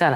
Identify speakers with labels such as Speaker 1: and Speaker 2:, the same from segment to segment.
Speaker 1: चला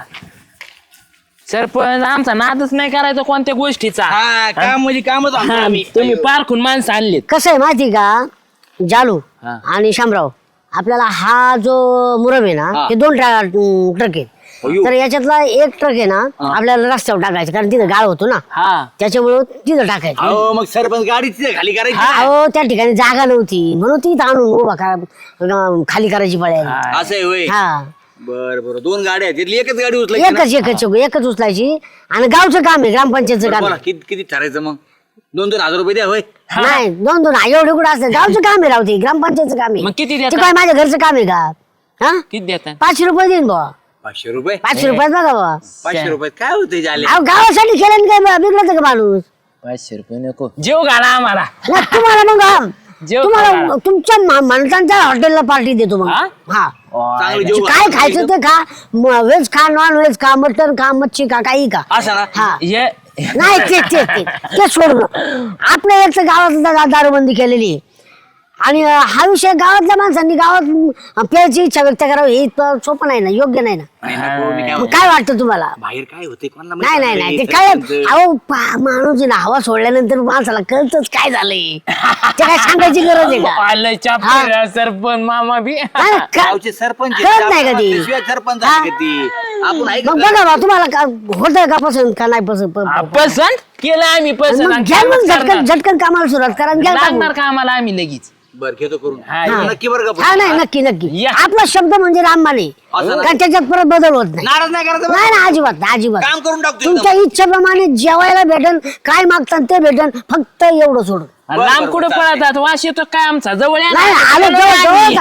Speaker 1: सरपंच आमचा नादच नाही करायचा कोणत्या गोष्टीचा.
Speaker 2: हा काम म्हणजे कामच आणतो
Speaker 1: हा,
Speaker 2: आम्ही.
Speaker 1: तुम्ही पारखून माणसं आणलीत.
Speaker 3: कसं आहे माहिती का जालू
Speaker 1: हा.
Speaker 3: आणि शामराव आपल्याला हा जो मुरम आहे ना हे 2 ट्रक आहेत.
Speaker 2: अयो.
Speaker 3: तर याच्यातला एक ट्रक आहे ना आपल्याला रस्त्यावर टाकायचं कारण तिथं गाळ होतो ना
Speaker 1: हा
Speaker 3: त्याच्यामुळं तिथं टाकायचं.
Speaker 2: अहो मग सरपंच गाडी तिथे खाली करायची.
Speaker 3: अहो त्या ठिकाणी जागा नव्हती म्हणून ती आणून उभा खाली करायची पडायला.
Speaker 1: हा.
Speaker 2: असं आहे होय.
Speaker 3: हा
Speaker 2: बर बर 2 गाड्या आहेत त्यातली एकच गाडी उचलायची ना?
Speaker 3: एकच उचलायची आणि गावचं काम आहे ग्रामपंचायतचं काम
Speaker 2: बोला
Speaker 3: आहे.
Speaker 2: किती ठरायचं मग 2-2 हजार रुपये द्या होय.
Speaker 3: नाही 2 एवढे कुठं असतं गावचं काम आहे रावते ग्रामपंचायतचं काम
Speaker 1: मग
Speaker 3: आहे.
Speaker 1: किती
Speaker 3: ते
Speaker 1: देता?
Speaker 3: काय माझ्या घरचं काम आहे का हा
Speaker 1: किती देतात?
Speaker 3: 500 रुपये देईन बुवा
Speaker 2: 500 रुपये
Speaker 3: 500 रुपयात बघा बुवा.
Speaker 2: 500 रुपयात काय होते झाले.
Speaker 3: अहो गावासाठी केलं काय बिघडलं का माणूस
Speaker 1: 500 रुपये नको जेव घाला आम्हाला.
Speaker 3: नाही, तुम्हाला मग
Speaker 1: जेव
Speaker 3: तुम्हाला
Speaker 1: खायला.
Speaker 3: तुमच्या माणसांच्या हॉटेलला पार्टी देतो मग
Speaker 1: हा?
Speaker 3: हा
Speaker 2: चांगलं जेवू
Speaker 3: काय खायचं ते खा व्हेज खा नॉन व्हेज खा मटन खा मच्छी खा काही खा
Speaker 2: असं ना
Speaker 3: हा
Speaker 1: ये
Speaker 3: नाही ते सोडून आपल्या याचं गावात दारूबंदी केलेली आहे आणि हा विषय गावातल्या माणसांनी गावात प्यायची इच्छा व्यक्त करावी हे इतकं सोपं नाही ना योग्य नाही ना.
Speaker 2: नाही, नको, मी काय
Speaker 3: मग
Speaker 2: म्हणतो,
Speaker 3: काय वाटतं तुम्हाला?
Speaker 2: बाहेर काय होते कोणाला
Speaker 3: नाही
Speaker 2: माहिती
Speaker 3: नाही नाही ते
Speaker 2: नाही,
Speaker 3: काय
Speaker 2: सरपंच.
Speaker 3: अहो माणूस आहे ना हवा सोडल्यानंतर माणसाला कळतच काय झालंय ते काय सांगायची गरज आहे का?
Speaker 1: आलं चाप सरपंच मामा बी.
Speaker 3: हा ना,
Speaker 2: गावचे सरपंच आहेत,
Speaker 3: कळत नाही का ती?
Speaker 2: शिवाय सरपंच
Speaker 3: हा?
Speaker 2: आहे का ती? आपण ऐकत
Speaker 3: मग
Speaker 2: नाही.
Speaker 3: बघा बा तुम्हाला होतंय का पसंत का नाही पसंत
Speaker 1: पसंत केलं आम्ही पसंत
Speaker 3: मग
Speaker 1: आणि
Speaker 3: घ्या मग
Speaker 1: कामच करणार.
Speaker 3: झटकन कामाला सुरुवात करा आणि घ्या
Speaker 1: लागणार
Speaker 3: टाकून.
Speaker 1: का आम्हाला आम्ही लगेच.
Speaker 2: बरं घेतो करून
Speaker 1: हा,
Speaker 2: हा,
Speaker 1: ये.
Speaker 2: नक्की बरं का
Speaker 3: हा नाही नक्की नक्की
Speaker 1: या.
Speaker 3: आपला शब्द म्हणजे रामबाणे
Speaker 2: असं ना?
Speaker 3: का त्याच्यात परत बदल होत नाही.
Speaker 2: नाराज नाही करायचं बरं.
Speaker 3: नाही ना अजिबात नाही, अजिबात
Speaker 2: काम करून टाकतो
Speaker 3: तुमच्या इच्छेप्रमाणे जेवायला भेटन काय मागतात ते भेटन फक्त एवढं सोडून.
Speaker 1: आणि लांब कुठं पळतात वास येतो काय आमचा जवळ या ना.
Speaker 3: नाही आलो जवळच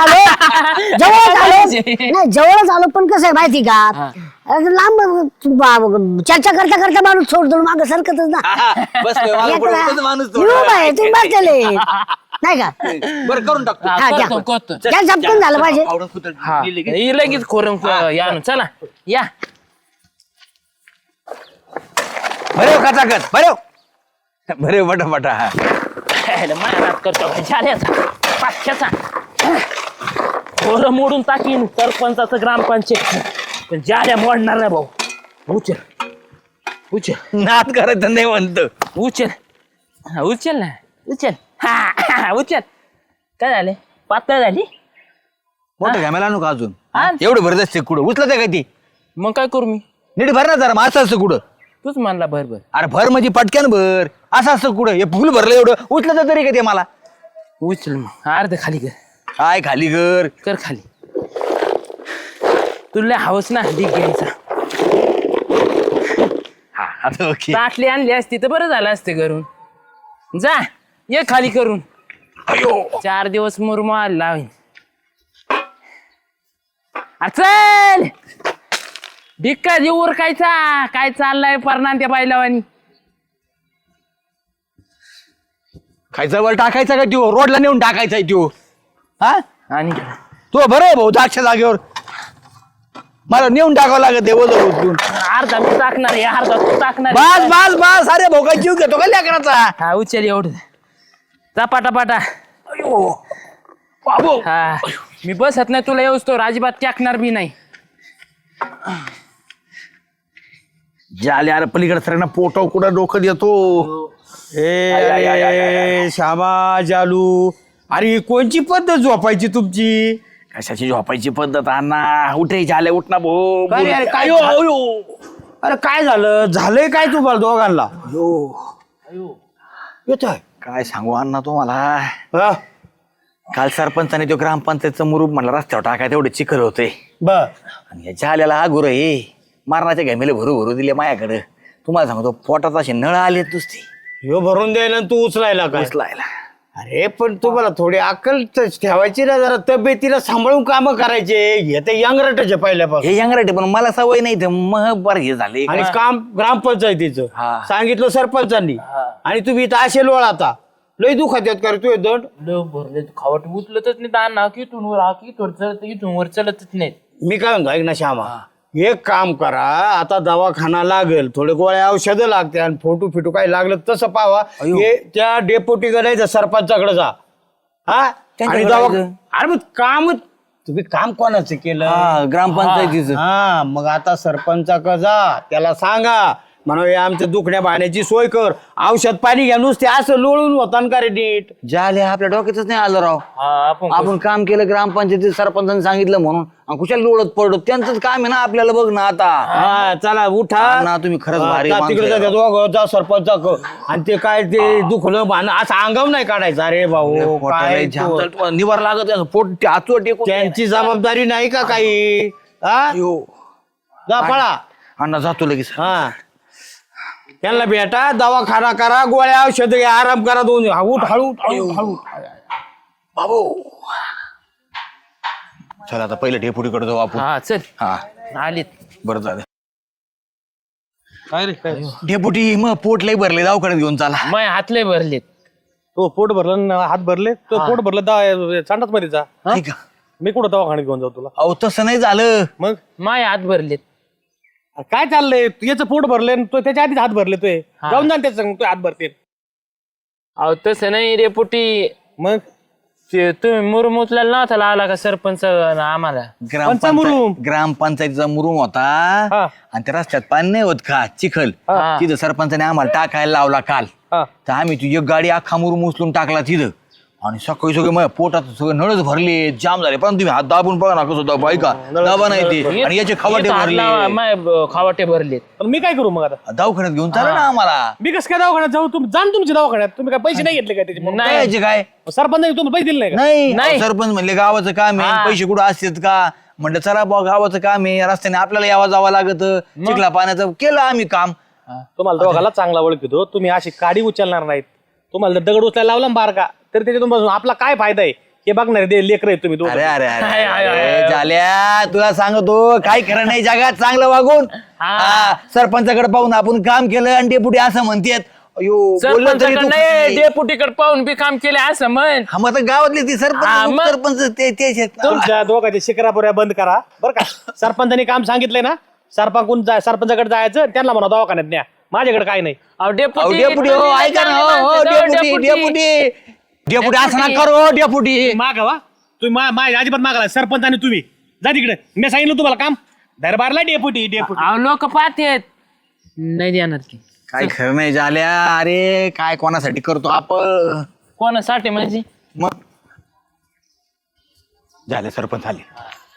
Speaker 3: आलो नाही जवळच आलो पण कसं आहे माहिती का असं लांब चर्चा करता करता माणूस सोडतो माग सरकतच ना.
Speaker 2: हा, बसलोय, मला पुढे उगाच माणूस
Speaker 3: मी उभा आहे, तुम्ही बसलेले नाही का
Speaker 2: बरं करून टाकतो
Speaker 1: हा,
Speaker 3: हा, द्या.
Speaker 1: करतो, करतो.
Speaker 3: त्या झपकन झालं पाहिजे.
Speaker 2: आवडून कुठं
Speaker 1: हा
Speaker 2: गेली की?
Speaker 1: हे लगेच खोरून या आणून. चला या
Speaker 2: बरे कचाकच बरे बटा
Speaker 1: मारात करतो झाल्याचा पाचशेचा खोरं मोडून टाकीन सरपंचाचं ग्रामपंचायत पण जाल्या मोडणार नाही भाऊ. उचल
Speaker 2: नाद करायचं नाही म्हणतो.
Speaker 1: उचल हा, उचल ना उचल हा उचल. काय झाले पातळ झाली
Speaker 2: मोठं घ्यायला आणू का अजून
Speaker 1: हा?
Speaker 2: एवढं भरत असते कुठं उचलत आहे का ती
Speaker 1: मग काय करू मी
Speaker 2: नीट भर ना जरा मग असं असतं कुठं.
Speaker 1: तूच मानला भर
Speaker 2: अरे भर म्हणजे पटक्यान भर असं असतं कुठं हे फुल भरलं एवढं उचलत तरी का ते मला
Speaker 1: उचल मग अर्ध खाली कर
Speaker 2: काय खाली कर
Speaker 1: कर खाली. तुला हवस ना ढीक घ्यायचा.
Speaker 2: हा आता ओके
Speaker 1: ताटली आणली असती तर बरं झालं असते घरून. जा ये खाली करून.
Speaker 2: अयो
Speaker 1: 4 दिवस मुरमाल लावीन. चल भिक्का देऊ उरकायचा काय चाललाय परनान त्या बायलावानी.
Speaker 2: खायचा वर टाकायचा का त्यो रोडला नेऊन टाकायचा त्यो हा
Speaker 1: आणि
Speaker 2: तो बरं आहे भाऊ दागच्या जागेवर मला नेऊन टाकावं लागत उचलून.
Speaker 1: अर्धा मी टाकणार आहे अर्धा तू टाकणार
Speaker 2: बस बस बस अरे भाऊ काय जीव घेतो का लेकराचा.
Speaker 1: हा उचल एवढं जा पाटा
Speaker 2: अयो बाबू
Speaker 1: हा मी बसत नाही तुला येऊस तो अजिबात टाकणार बी नाही.
Speaker 2: जाले अरे पलीकडे सरांना पोटाव कुठं डोकं देतो.
Speaker 4: ए श्यामा जालू अरे ही कोणची पद्धत झोपायची तुमची?
Speaker 2: कशाची झोपायची पद्धत अण्णा उठे झाले उठ ना भाऊ.
Speaker 4: काय रे, अरे काय
Speaker 2: अयो, अयो.
Speaker 4: अरे काय झालंय काय तुम्हाला दोघांना? येतोय
Speaker 2: काय सांगू अण्णा तुम्हाला
Speaker 4: हा?
Speaker 2: काल सरपंचाने तो ग्रामपंचायतचं मुरूप म्हणला रस्त्यावर टाकाय तेवढे चिखल होते
Speaker 4: बर
Speaker 2: आणि याच्या आल्याला हा गुरु हे मारणाच्या घामेले भरू दिले माझ्याकडे. तुम्हाला सांगतो पोटात असे नळ आले नुसते
Speaker 4: ह्यो भरून द्यायला आणि तू उचलायला काय?
Speaker 2: उचलायला.
Speaker 4: अरे पण तुम्हाला थोडी अक्कल ठेवायची ना जरा तब्येतीला सांभाळून काम करायचे. हे तर यंगरटाचे पहिल्यापासून
Speaker 2: हे यंगराटे पण मला सवय नाही ते मग बरं हे झाले.
Speaker 4: आणि काम ग्रामपंचायतीचं
Speaker 2: हा.
Speaker 4: सांगितलं सरपंचांनी आणि तुम्ही इथं असे लोळ आता लय दुखात येत कर तू दंड.
Speaker 1: भरले खावट उचलतच नाही दान इथून वर इथून चलत इथून वर चलतच नाही.
Speaker 4: मी काय म्हणतो ऐक ना श्यामा एक काम करा आता दवाखाना लागेल थोडे गोळ्या औषधं लागते आणि फोटो फिटू काही लागलं तसं पावा हे त्या डेपोटीकडे जायचं सरपंचाकडे जा हा
Speaker 2: त्यांच्याकडे
Speaker 4: आणि
Speaker 2: जायचं?
Speaker 4: अरे मग काम तुम्ही काम कोणाचं केलं
Speaker 2: हा, ग्रामपंचायतीचं.
Speaker 4: हा मग आता सरपंचाकडे जा त्याला सांगा म्हणा आमच्या दुखण्या भाण्याची सोय कर औषध पाणी घ्या नुसते असं लोळून होता का रे नीट
Speaker 2: झाले आपल्या डोक्यातच नाही आलं राव. आपण काम केलं ग्रामपंचायतीत सरपंचाने सांगितलं म्हणून आणि कुशाला लोळत पडलो त्यांचंच काम आहे ना आपल्याला बघ ना आता.
Speaker 4: हा चला उठा
Speaker 2: ना तुम्ही खरंच भारी
Speaker 4: जा
Speaker 2: माणसं
Speaker 4: तिकडे
Speaker 2: आहे.
Speaker 4: जा, दोघं जा सरपंच आणि ते काय ते दुखलं भान असं अंगाव नाही काढायचं अरे भाऊ
Speaker 2: पोटाला
Speaker 4: काय
Speaker 2: जाम
Speaker 4: तू.
Speaker 2: झालं, तुम्हाला निवार लागत आहे, पोट आचू टेकून
Speaker 4: त्यांची जबाबदारी नाही का काही हा जा पळा
Speaker 2: अण्णा जातो लगेच.
Speaker 4: हा त्यांना भेटा दवाखाना करा गोळ्या औषध घ्या आराम करा दोन उठ हळू हळू हळू
Speaker 2: बाबू चल आता पहिलं डेपुटीकडे जाऊ आपण.
Speaker 1: हा चल
Speaker 2: हा
Speaker 1: आलीत.
Speaker 2: बरं झालं.
Speaker 5: काय रे काय
Speaker 2: डेपुटी मग पोट लय भरले दवाखान्यात घेऊन चाला.
Speaker 1: माय हातले भरलेत.
Speaker 5: तो पोट भरलं न हात भरले तो पोट भरलं चांडाच मध्ये जा
Speaker 2: ठीक आहे.
Speaker 5: मी कुठं दवाखान्यात घेऊन जाऊ तुला
Speaker 2: अहो तसं नाही झालं.
Speaker 5: मग
Speaker 1: माय हात भरलेत.
Speaker 5: काय चाललंय याचं पोट भरले तो त्याच्या आधीच हात भरले तोय जाऊन जा त्याचं तो हात भरते
Speaker 1: अहो तसं नाही रे पुटी.
Speaker 5: मग
Speaker 1: ते तुम्ही मुरुम उचलायला नव्हता लावला का सरपंच आम्हाला.
Speaker 5: मुरुम?
Speaker 2: ग्रामपंचायतीचा मुरुम होता
Speaker 5: हा.
Speaker 2: आणि त्या रस्त्यात पाणी नाही होत का चिखल
Speaker 1: हा.
Speaker 2: तिथं सरपंचाने आम्हाला टाकायला लावला काल.
Speaker 5: हा.
Speaker 2: तर आम्ही ती एक गाडी अख्खा मुरुम उचलून टाकला तिथं आणि सकाळी सगळे माझ्या पोटात सगळे नळच भरले जाम झाले पण तुम्ही हात दाबून बघा ना कसं दाबा ऐका दाबा नाही ते आणि याचे खवाटे
Speaker 1: इथं हात
Speaker 2: भरले
Speaker 1: लावा, माय खावाटे भरलेत.
Speaker 5: पण मी काय करू मग आता
Speaker 2: दवाखान्यात घेऊन चाला ना आम्हाला.
Speaker 5: मी कसं काय दवाखान्यात जाऊ तुम्ही जाण तुमच्या दवाखान्यात तुम्ही काय पैसे नाही घेतले काय त्याचे म्हणून?
Speaker 1: नाही.
Speaker 2: याचे काय
Speaker 5: सरपंचाने तुम्हाला पैसे दिले नाही का
Speaker 2: नाही
Speaker 1: नाही.
Speaker 2: अहो, सरपंच म्हणले गावाचं काम आहे
Speaker 1: हा.
Speaker 2: पैसे कुठं असतात का म्हणलं चला बा गावाचं काम आहे रस्त्याने आपल्याला यावं जावं लागत चिखला पाण्याचं केलं आम्ही काम.
Speaker 5: तुम्हाला दोघाला चांगला ओळखतो तुम्ही अशी काडी उचलणार नाहीत तुम्हाला जर दगड उचलायला लावला ना बारका तर त्याच्यातून बसून आपला काय फायदा आहे हे बघणार ते लेकर आहे तुम्ही दोघं.
Speaker 2: अरे अरे अरे,
Speaker 1: हाय, हाय, हाय,
Speaker 2: अरे झाल्या तुला सांगतो काय खरं नाही जगात चांगलं वागून
Speaker 1: हा.
Speaker 2: हा, सरपंचाकडे पाहून आपण काम केलं आणि डेपुटी असं म्हणतेत अयो बोललं तरी तू
Speaker 1: सरपंचाकडे
Speaker 2: खुशी.
Speaker 1: डेपुटीकडे पाहून बी काम केले असं म्हण.
Speaker 2: हा मग आता गावातली ती
Speaker 1: हा,
Speaker 2: सरपंच
Speaker 1: मग.
Speaker 2: सरपंच तेच आहेत ना.
Speaker 5: तुमच्या दोघांच्या शिकरापुऱ्या बंद करा बरं का सरपंचाने काम सांगितलंय ना सरपंचाकडे जायचं त्यांना म्हणा दवाखान्यात न्या माझ्याकडे काय नाही
Speaker 1: अहो,
Speaker 2: अहो,
Speaker 1: डेपुटी
Speaker 2: डेपुटी हो ऐका ना हो डेपुटी डेपुटी डेपुटी असं ना करो डेपुटी.
Speaker 5: मागा वा तुम्ही माझ्या अजिबात मागाला सरपंच आणि तुम्ही जा तिकडे मी सांगितलं तुम्हाला काम दरबारला डेपुटी
Speaker 1: अहो लोक पाहतेत नाही देणार की.
Speaker 2: काय खरं नाही झाल्या अरे काय कोणासाठी करतो आपण
Speaker 1: कोणासाठी म्हणजे
Speaker 2: मग झाले सरपंच आले.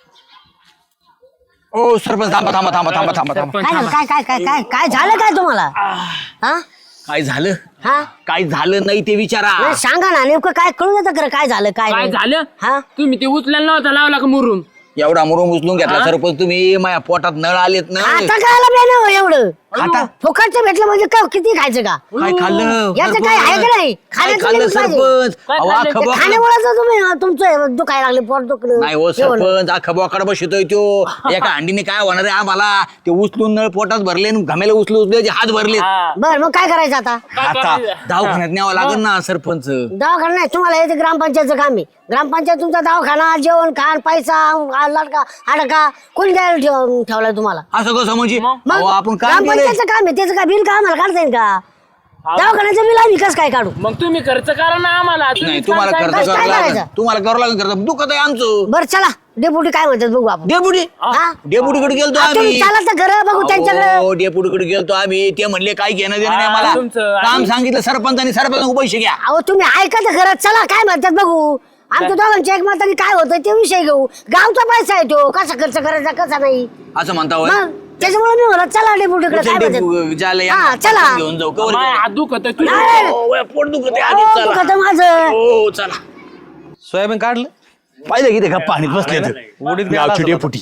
Speaker 2: ओ सरपंच थांबा थांबा थांबा थांबा थांबा थांबा
Speaker 3: काय झालं? काय काय काय काय काय झालं काय तुम्हाला हा
Speaker 2: काय झालं
Speaker 3: हा
Speaker 2: काय झालं नाही ते विचारा.
Speaker 3: नाही, सांगा ना नेमकं काय कळू देतं खरं काय झालं काय
Speaker 1: काय
Speaker 3: नाही?
Speaker 1: झालं
Speaker 3: हा
Speaker 1: तुम्ही ते उचलायला नव्हता लावला का मुरुम.
Speaker 2: एवढा मुरुम उचलून घेतला सरपंच तुम्ही माझ्या पोटात नळ आलेत ना.
Speaker 3: आता काय बेन एवढं
Speaker 2: खाता
Speaker 3: फुकटचं भेटलं म्हणजे काय किती खायचं का
Speaker 2: काय खाल्लं
Speaker 3: याचं काय आहे का नाही
Speaker 2: काय
Speaker 3: खाण्याचं
Speaker 2: खाल्लं
Speaker 3: लिमिट पाहिजे.
Speaker 2: सरपंच
Speaker 1: काय
Speaker 2: अहो,
Speaker 1: खाल्लं?
Speaker 2: अख्खं बोकड-
Speaker 3: खाण्यामुळे तुम्ही तुमचं दुखायला लागले पोट दुखलं
Speaker 2: नाही हो
Speaker 3: जेवण.
Speaker 2: सरपंच अख्खा बोकाड बसतोय तो एका अंडीने काय होणार आहे आम्हाला ते उचलून नळ पोटात भरले आणि घामेला उचलून हात भरले.
Speaker 1: हा.
Speaker 3: बरं मग काय करायचं आता
Speaker 2: आता दवाखान्यात न्यावं लागेल ना सरपंच.
Speaker 3: दवाखाना नाही तुम्हाला हे ते ग्रामपंचायतचं काम आहे ग्रामपंचायत तुमचा दवाखाना जेवण खाण पैसा लडका अडका कोणी द्यायला ठेवलाय तुम्हाला
Speaker 2: असं कसं म्हणजे
Speaker 3: मग
Speaker 2: अहो, आपण काम केलंय.
Speaker 3: ग्रामपंचायतचं काम आहे त्याचं काय बिल का आम्हाला काढता येईल का दवाखान्याचं बिल आम्ही कसं काय काढू
Speaker 1: मग तुम्ही खर्च करा ना आम्हाला.
Speaker 2: नाही
Speaker 1: तुम्हीच
Speaker 2: तुम्हाला
Speaker 1: काम
Speaker 2: खर्च
Speaker 1: करा.
Speaker 3: काय
Speaker 2: करावं लागेल
Speaker 3: करायचं?
Speaker 2: तुम्हाला करावं लागेल खर्च दुखत आहे आमचं.
Speaker 3: बरं चला डेपुटी काय म्हणतात बघू आपण
Speaker 2: डेपुटी
Speaker 3: हा?
Speaker 2: डेपुटीकडे गेलतो
Speaker 3: तुम्ही
Speaker 2: आम्ही.
Speaker 3: चला तर घर बघू त्यांच्याकडे
Speaker 2: हो डेपुटीकडे गेलतो आम्ही ते म्हणले काय घेणं देणं नाही
Speaker 1: हा,
Speaker 2: मला
Speaker 1: तुमचं-
Speaker 2: काम सांगितलं सरपंचानी सरपंच पैसे घ्या.
Speaker 3: अहो तुम्ही ऐका तर घरात चला काय म्हणतात बघू आमच्या दोघांच्या एक मताने काय होतं ते विषय घेऊ गावचा पैसा आहे तो कसा खर्च करायचा कसा नाही
Speaker 2: असं म्हणता होय.
Speaker 3: मग त्याच्यामुळे मी म्हणत चला डेपुटीकडे काय म्हणतात
Speaker 2: ज्याला
Speaker 3: हा,
Speaker 2: यांना
Speaker 3: चला.
Speaker 2: घेऊन जाऊ कवर
Speaker 1: माय हात दुखत आहे.
Speaker 3: नाही, नाही.
Speaker 2: हो, वय, पोट दुखत आहे
Speaker 3: अहो,
Speaker 2: आधीच चला.
Speaker 3: दुखतं माझं
Speaker 2: हो चला
Speaker 5: सोयाबीन काढलं
Speaker 2: पाहिलं की ते का पाणीत बसले
Speaker 5: उडीत
Speaker 2: गावची डेपुटी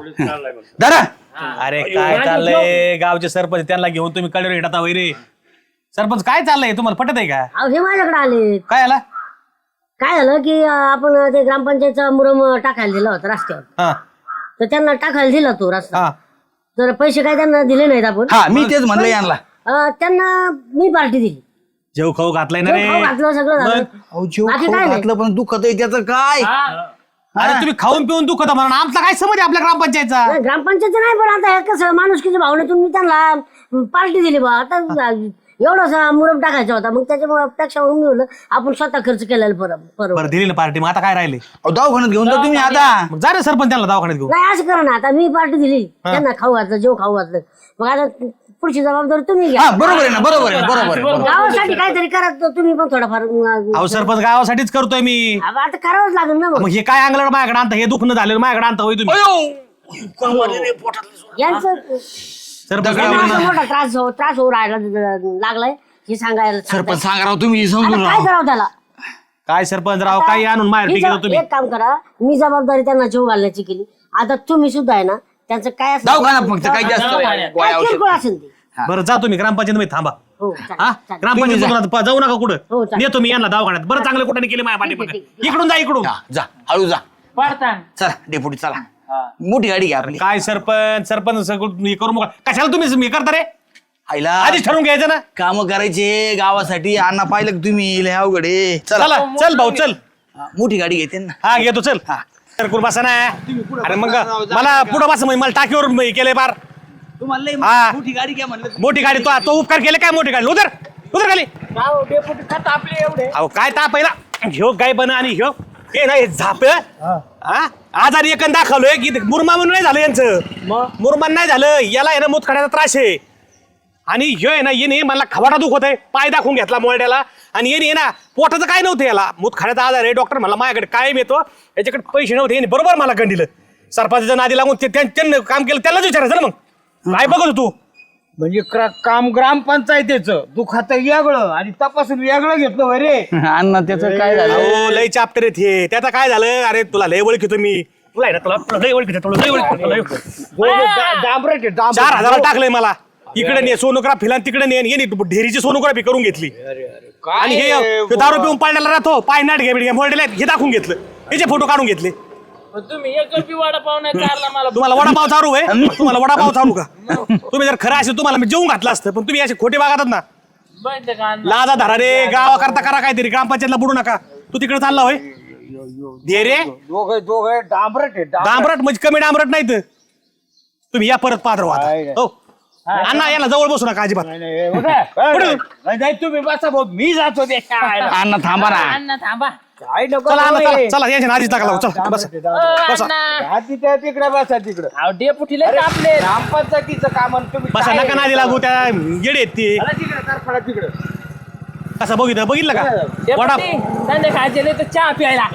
Speaker 2: दादा
Speaker 5: अरे काय चाललंय गावचे सरपंच त्यांना घेऊन तुम्ही कडेवर हिंडता वैरे सरपंच काय चाललंय तुम्हाला पटत आहे का
Speaker 3: अहो हे माझ्याकडे आले
Speaker 5: काय आला
Speaker 3: काय झालं की आपण ते ग्रामपंचायतचा मुरम टाकायला दिला होता रस्त्यावर
Speaker 5: हा
Speaker 3: तर त्यांना टाकायला दिला तो रस्ता
Speaker 5: हा
Speaker 3: तर पैसे काय त्यांना दिले नाहीत आपण
Speaker 2: हा मी तेच म्हणलं यांना
Speaker 3: त्यांना मी पार्टी दिली
Speaker 5: जेव खाऊ घातलाय ना
Speaker 3: जेव खाऊ
Speaker 5: रे
Speaker 3: घातलं सगळं झालं
Speaker 2: अहो, जेव
Speaker 3: बाकी
Speaker 2: खाऊ
Speaker 3: काय नाही.
Speaker 2: घातलं पण दुखत आहे त्याचं काय
Speaker 5: अरे तुम्ही खाऊन पिऊन दुखत म्हणून आमचा काय समज आहे आपल्या ग्रामपंचायतचा
Speaker 3: नाही, ग्रामपंचायत नाही पण आता हे कसं माणुसकीच्या भावनेतून मी त्यांना पार्टी दिली बा आता एवढासा मुरम टाकायचा होता, मग त्याच्यामुळे पेक्षा होऊन गेलं आपण स्वतः खर्च केलेला बरोबर.
Speaker 5: बरं दिली ना पार्टी, मग आता काय राहिले?
Speaker 2: अहो, दवाखान्यात घेऊन जा तुम्ही आता.
Speaker 5: मग जा रे सरपंच त्यांना दवाखान्यात घेऊन.
Speaker 3: नाही असं करा ना, आता मी पार्टी दिली त्यांना खाऊ घातलं, जेव खाऊ घातलं, मग आता पुढची जबाबदारी तुम्ही घ्या.
Speaker 2: हा बरोबर आहे ना, बरोबर आहे, बरोबर आहे.
Speaker 3: गावासाठी काहीतरी करा तुम्ही पण थोडाफार.
Speaker 5: अहो सरपंच गावासाठीच करतोय मी.
Speaker 3: आता करावंच लागेल ना
Speaker 5: मग हे काय अंगलड माझ्याकडे आणता? हे दुखणं झालं माझ्याकडे आणता होय तुम्ही?
Speaker 3: यांचं
Speaker 5: सरपंच
Speaker 3: त्यांना असा मोठा त्रास होऊ राहिला लागलाय हे सांगायला.
Speaker 2: सरपंच सांगा राव, तुम्ही समजून
Speaker 3: आता काय
Speaker 2: राहा.
Speaker 3: करावं त्याला?
Speaker 5: काय सरपंच राव, काही आणून माहेर
Speaker 3: मी
Speaker 5: टिकलं तुम्ही.
Speaker 3: एक काम करा, मी जबाबदारी त्यांना जेव घालण्याची केली, आता तुम्ही सुद्धा आहे ना त्यांचं काय असेल
Speaker 2: दवाखाना फक्त काही जास्त
Speaker 3: काय
Speaker 2: गोळ्या औषध.
Speaker 3: किरकोळ असेल ते.
Speaker 5: बरं जा तुम्ही ग्रामपंचायत मध्ये थांबा.
Speaker 3: हो चालेल,
Speaker 5: हा
Speaker 3: चालेल.
Speaker 5: ग्रामपंचायत जाऊ नका
Speaker 3: हो,
Speaker 5: कुठं.
Speaker 3: चालेल.
Speaker 5: नेतो मी यांना दवाखान्यात. बरं चांगलं कुठे केले माझ्या पाठी.
Speaker 3: ठीक.
Speaker 5: इकडून जा इकडून.
Speaker 2: हा, जा हळू जा.
Speaker 1: पडतान
Speaker 2: चला डेपुटी चला, मोठी गाडी घ्या आपली.
Speaker 5: काय सरपंच सरपंच सगळं हे करू नका. कशाला तुम्ही हे करता रे?
Speaker 2: आईला
Speaker 5: आधीच ठरवून घ्यायचं ना.
Speaker 2: काम करायचे गावासाठी. अण्णा पाहिलं का तुम्ही, लय अवघड आहे.
Speaker 5: चला
Speaker 2: चला
Speaker 5: चल भाऊ चल.
Speaker 2: हा, मोठी गाडी घेते ना.
Speaker 5: हा घेतो चल. तर कुर बसा ना. अरे मग मला पुढं बसा, म्हणजे मला टाकीवर हे केलंय बार.
Speaker 2: तुम्हाला लय
Speaker 5: हा.
Speaker 2: मोठी गाडी घ्या म्हणलं.
Speaker 5: मोठी गाडी तो उपकार केले काय? मोठी गाडी उधर उधर खाली.
Speaker 4: आपले एवढे
Speaker 5: अहो काय ताप आहे ना. ह्यो गाय बन आणि ह्यो हे नाही झाप. आजारी एकन दाखवलोय की मुरमा म्हणून नाही झालं यांचं. मुरमान नाही झालं, याला आहे ना मुतखड्याचा त्रास आहे. आणि ह्यो आहे ना येणे मला खवाडा दुखत आहे, पाय दाखवून घेतला मोरड्याला. आणि येणे ना पोटाचं काय नव्हतं, याला मुतखड्याचा आजार आहे. डॉक्टर मला माझ्याकडे कायम येतो, याच्याकडे पैसे नव्हते. याने बरोबर मला गंडीलं. सरपंचाच्या नादी लागून त्यांनी काम केलं, त्यालाच विचारायचं ना. मग काय बघत तू?
Speaker 4: म्हणजे काम ग्रामपंचायतीचं दुखात वेगळं आणि तपासून वेगळं घेतलं होय रे.
Speaker 2: अण्णा त्याचं काय झालं?
Speaker 5: हो लय चाप्टर आहेत हे. त्याचं काय झालं? अरे तुला लय ओळखीतो मी. तुला आहे ना, तुला लय ओळखीतो, तुला लय ओळखीतो, लय ओळखीतो.
Speaker 4: डांबरट आहे, डांबरट.
Speaker 5: 4,000 टाकलंय मला. इकडे ने सोनोग्राफी आणि तिकडे ने ढेरीची सोनोग्राफी करून घेतली. आणि हे दारू पिऊन पाळण्याला राहतो, पाय नाट घ्या मोरडेला हे दाखवून घेतलं. याचे फोटो काढून घेतले.
Speaker 1: तुम्ही एक रुपये वडापाव नाही चालला मला.
Speaker 5: तुम्हाला वडापाव चालू आहे? तुम्हाला वडापाव चालू का? तुम्ही जर खरं असेल तुम्हाला मी जेवून घातलं असतं, पण तुम्ही असे खोटे वागतात ना.
Speaker 1: बंद का अण्णा?
Speaker 5: लाजा धरा रे, गावा करता करा काहीतरी, ग्रामपंचायतला बुडू नका. तू तिकडे चालला होय दे रे.
Speaker 4: दोघं डांबरट आहे,
Speaker 5: डांबरट म्हणजे कमी डांबरट नाही तर. तुम्ही या परत पात्र व्हा. हो अण्णा याला जवळ बसू नका अजिबात.
Speaker 4: नाही तुम्ही बसा भाऊ, मी जातो ते खायला.
Speaker 2: अण्णा थांबा ना.
Speaker 1: अण्णा थांबा.
Speaker 4: काय नको
Speaker 5: चला अण्णा
Speaker 4: रे.
Speaker 5: चला याच्या आधीच टाका लावू. चला बस बसा
Speaker 1: अण्णा
Speaker 4: हाती त्या तिकडे बसा तिकडे.
Speaker 1: अहो डेपुटीला आपले
Speaker 4: ग्रामपंचायतीचं काम आणि तुम्ही
Speaker 5: बसा.
Speaker 4: काय-
Speaker 5: नका नादी लागू, त्या येडे आहेत ते.
Speaker 4: चला तिकडे तरफडा तिकडे.
Speaker 5: कसं बघितलं का वडा
Speaker 1: संध्याकाळचे नाही तर चहा प्यायला.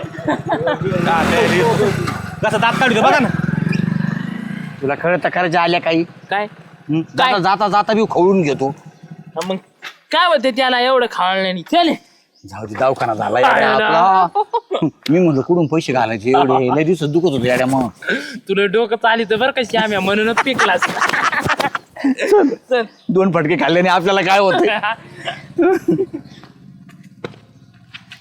Speaker 5: कसं दात काढतो बघा ना.
Speaker 2: तुला खरं तर खरं आल्या काही.
Speaker 1: काय
Speaker 2: जाता जाता जाता मी खवळून घेतो.
Speaker 1: मग काय होते त्याला एवढं खावलं नाही. चले
Speaker 2: जाऊ दे, दवाखाना झाला याड्या आपला. मी म्हणलं कुठून पैसे घालायचे एवढे, लय दिवसात दुखत होते याड्या. मग
Speaker 1: तुला डोकं चालित बरं कशी आम्ही म्हणूनच पिकलास. चल
Speaker 2: 2 फटके खाल्ल्याने आपल्याला काय होतं?